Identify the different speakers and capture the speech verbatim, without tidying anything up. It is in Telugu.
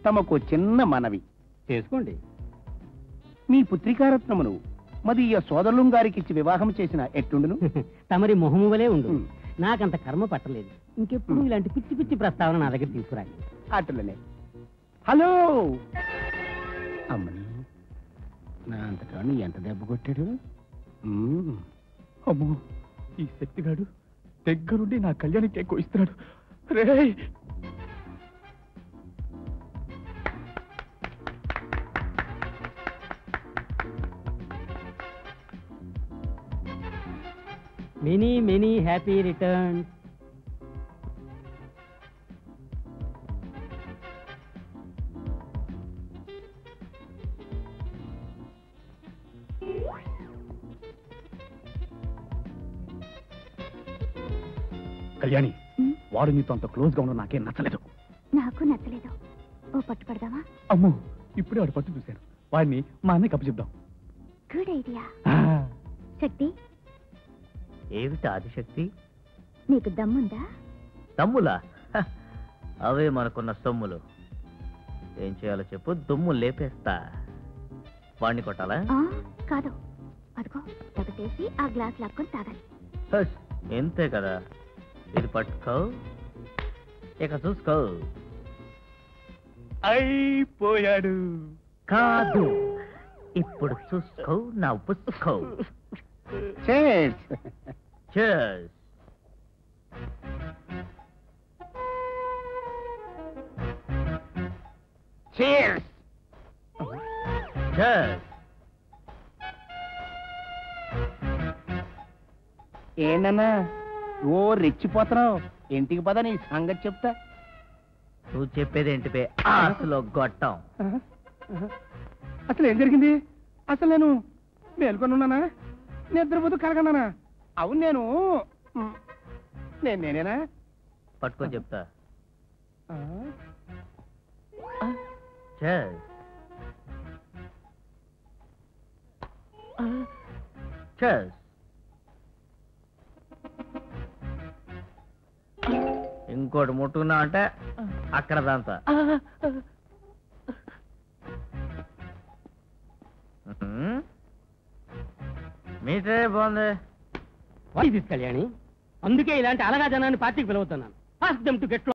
Speaker 1: తమకు చిన్న మనవి
Speaker 2: చేసుకోండి.
Speaker 1: మీ పుత్రికారత్నమును మదీయ సోదరులం గారికి ఇచ్చి వివాహం చేసిన ఎట్టుండును?
Speaker 2: తమరి మొహము వలే ఉండు. నాకంత కర్మ పట్టలేదు. ఇంకెప్పుడు ఇలాంటి పిచ్చి పిచ్చి ప్రస్తావన నా దగ్గర తీసుకురాలి.
Speaker 1: అట్లనే. హలో అమ్మని, నా అంతటాను ఎంత దెబ్బ కొట్టాడు?
Speaker 3: అమ్మో, ఈ శక్తిగాడు దగ్గరుండి నా కళ్యాణికి ఎక్కువ ఇస్తున్నాడు. రే
Speaker 2: many many happy returns.
Speaker 3: Kalyani, వాడు నీతో అంత క్లోజ్ గా ఉండడం నాకేం నచ్చలేదు.
Speaker 4: నాకు నచ్చలేదు. ఓ పట్టు పడదామా?
Speaker 3: అమ్మో, ఇప్పుడే వాడు పట్టు చూశాను. వాడిని మా అన్నయ్య కప్పు చెప్దాం.
Speaker 4: Good idea. శక్తి,
Speaker 5: ఏమిటి ఆదిశక్తి?
Speaker 4: నీకు దమ్ముందా?
Speaker 5: తమ్ములా? అవే మనకున్న సొమ్ములు. ఏం చేయాలో చెప్పు, దుమ్ము లేపేస్తా. వాణ్ణి కొట్టాలా?
Speaker 4: కాదు, అదిగో తగటేసి ఆ గ్లాస్ లాక్కొని తాగాలి.
Speaker 5: ఎంతే కదా. ఇది పట్టుకో, ఇక చూసుకో.
Speaker 3: అయిపోయాడు.
Speaker 5: కాదు, ఇప్పుడు చూసుకో నా పుసుకో.
Speaker 1: Cheers.
Speaker 5: Cheers.
Speaker 1: Cheers.
Speaker 5: Cheers.
Speaker 1: ఏంటన్నా ఓ రెచ్చిపోతున్నావు? ఇంటికి పద, నీ సంగతి చెప్తా.
Speaker 5: నువ్వు చెప్పేది ఏంటిపే ఆశలో గొట్టం?
Speaker 1: అసలు ఏం జరిగింది? అసలు నేను మేల్కొని ఉన్నానా, నిద్రపోతూ కలగన్నానా? అవును, నేను నేను నేనేనా?
Speaker 5: పట్టుకొని చెప్తా.
Speaker 1: ఆ?
Speaker 5: Cheers. Cheers. ఇంకోటి ముట్టుకున్నా అంటే అక్కడ దాంతా. మీటే బాగుంది.
Speaker 2: కళ్యాణి, అందుకే ఇలాంటి అలగా జనాన్ని పార్టీకి పిలువుతున్నాను. Ask them to get